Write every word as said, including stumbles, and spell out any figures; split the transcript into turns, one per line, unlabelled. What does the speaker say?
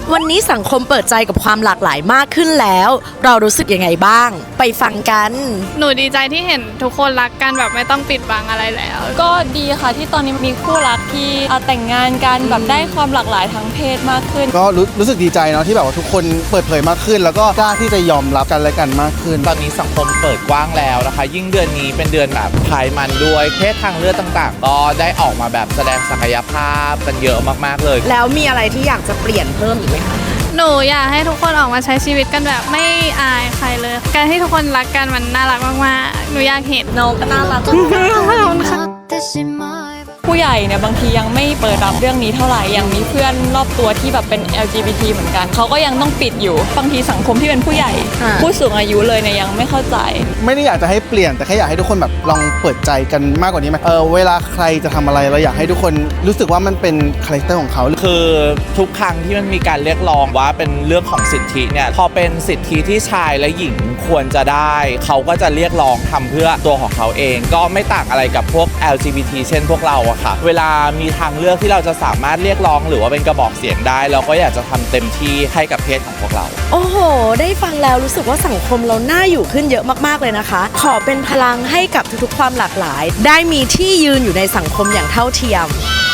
วันนี้สังคมเปิดใจกับความหลากหลายมากขึ้นแล้ว เรารู้สึกยังไงบ้าง ไปฟังกัน
หนูดีใจที่เห็นทุกคนรักกันแบบไม่ต้องปิดบังอะไรแล้ว
ก็ดีค่ะที่ตอนนี้มีคู่รักที่แต่งงานกันแบบได้ความหลากหลายทางเพศมากขึ้น
ก็รู้รู้สึกดีใจเนาะที่แบบว่าทุกคนเปิดเผยมากขึ้น แล้วก็กล้าที่จะยอมรับกันและกันมากขึ้น
ตอนนี้สังคมเปิดกว้างแล้วนะคะยิ่งเดือนนี้เป็นเดือนแบบพายมันด้วยเพศทางเลือกต่างๆ ก็ได้ออกมาแบบแสดงศักยภาพกันเยอะมากๆเลย
แล้วมีอะไรที่อยากจะเปลี่ยนเพิ่มอีกไหมคะ
หนูอยากให้ทุกคนออกมาใช้ชีวิตกันแบบไม่อายใครเลยการที่ทุกคนรักกันมันน่ารักมากๆหนูอยากเห็น
น้องก็น่ารัก
ผู้ใหญ่เนี่ยบางทียังไม่เปิดรับเรื่องนี้เท่าไหร่ยังมีเพื่อนรอบตัวที่แบบเป็น แอล จี บี ที เหมือนกันเขาก็ยังต้องปิดอยู่บางทีสังคมที่เป็นผู้ใหญ่ผู้สูงอายุเลยเนี่ยยังไม่เข้าใจ
ไม่ได้อยากจะให้เปลี่ยนแต่แค่อยากให้ทุกคนแบบลองเปิดใจกันมากกว่านี้ไหมเออเวลาใครจะทำอะไรเราอยากให้ทุกคนรู้สึกว่ามันเป็นคาแรคเตอร์ของเขา
คือทุกครั้งที่มันมีการเรียกร้องว่าเป็นเรื่องของสิทธิเนี่ยพอเป็นสิทธิที่ชายและหญิงควรจะได้เขาก็จะเรียกร้องทำเพื่อตัวของเขาเองก็ไม่ต่างอะไรกับพวก แอล จี บี ที เช่นพวกเราอะค่ะเวลามีทางเลือกที่เราจะสามารถเรียกร้องหรือว่าเป็นกระบอกเสียงได้เราก็อยากจะทำเต็มที่ให้กับเพศของพวกเรา
โอ้โหได้ฟังแล้วรู้สึกว่าสังคมเราน่าอยู่ขึ้นเยอะมากๆเลยนะคะขอเป็นพลังให้กับทุกๆความหลากหลายได้มีที่ยืนอยู่ในสังคมอย่างเท่าเทียม